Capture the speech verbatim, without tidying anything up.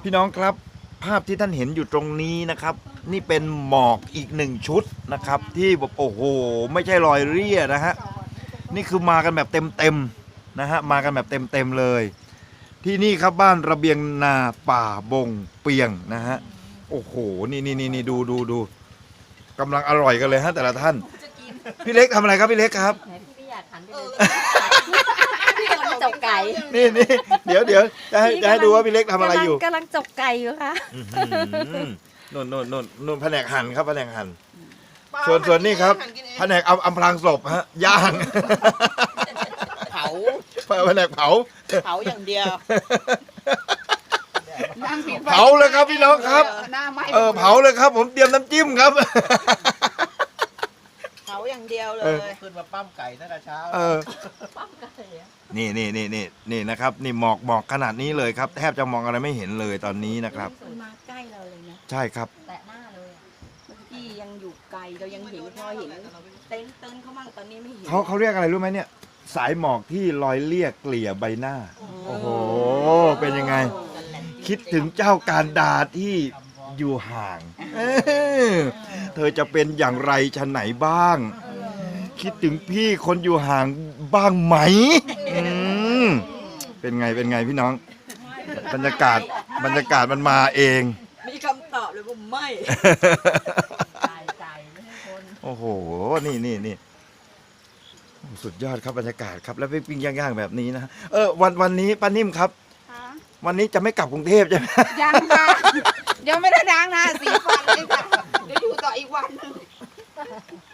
พี่น้องครับภาพที่ท่านเห็นอยู่ตรงนี้นะครับ นี่เป็นหมอกอีกหนึ่งชุดนะครับ ที่แบบโอ้โหไม่ใช่รอยเรี่ยนะฮะนี่คือมากันแบบเต็มๆนะฮะมากันแบบเต็มๆเลย ที่นี่ครับบ้านระเบียงนาป่าบงเปียงนะฮะโอ้โหนี่นี่นี่ดูดูดูกำลังอร่อยกันเลยฮะแต่ละท่านพี่เล็กทำอะไรครับพี่เล็กครับพี่ไม่อยากหันไปเลยพี่กำลังจกไก่นี่นี่เดี๋ยวเดี๋ยวจะให้จะให้ดูว่าพี่เล็กทำอะไรอยู่กำลังจกไก่อยู่ค่ะนู่นนู่นนู่นนู่นแผนกหั่นครับแผนกหั่นส่วนส่วนนี่ครับแผนกอำอำพรางศพฮะย่างเผาแผนกเผาเผาอย่างเดียวเผาเลยครับพี่น้องครับหน้าไหม้เออเผาเลยครับ ผมเตรียมน้ำจิ้มครับเผาอย่างเดียวเลเออยขึ้นมาปั้มไก่ตั้งแต่เช้าเออนี่นี่นี่นี่นี่นะครับ นี่หมอกหมอกขนาดนี้เลยครับ แทบจะมองอะไรไม่เห็นเลยตอนนี้นะครับมันมาใกล้เราเลยนะใช่ครับแตะหน้าเลยอะเมื่อกี้ยังอยู่ไกลเรายังเห็นพอเห็นเต้นเต้นเขามั่งตอนนี้ไม่เห็นเขาเขาเรียกอะไรรู้ไหมเนี่ย สายหมอกที่ลอยเลี่ยเกลี่ยใบหน้า โอ้โหเป็นยังไง คิดถึงเจ้าการดาที่อยู่ห่างเออเธอจะเป็นอย่างไรชั้นไหนบ้าง คิดถึงพี่คนอยู่ห่างบ้างไหมอืมเป็นไงเป็นไงพี่น้อง บรรยากาศบรรยากาศมันมาเองมีคำตอบเลยว่าไม่ตายใจไม่ให้คนโอ้โห นี่นี่นี่โอ้สุดยอดครับบรรยากาศครับ แล้วปิ้งๆย่างๆแบบนี้นะ เออวันวันนี้ป้านิ่มครับ วันนี้จะไม่กลับกรุงเทพใช่ไหมยังค่ะยังไม่ได้ล้างหน้าสีฟันเลยค่ะเดี๋ยวอยู่ต่ออีกวันหนึง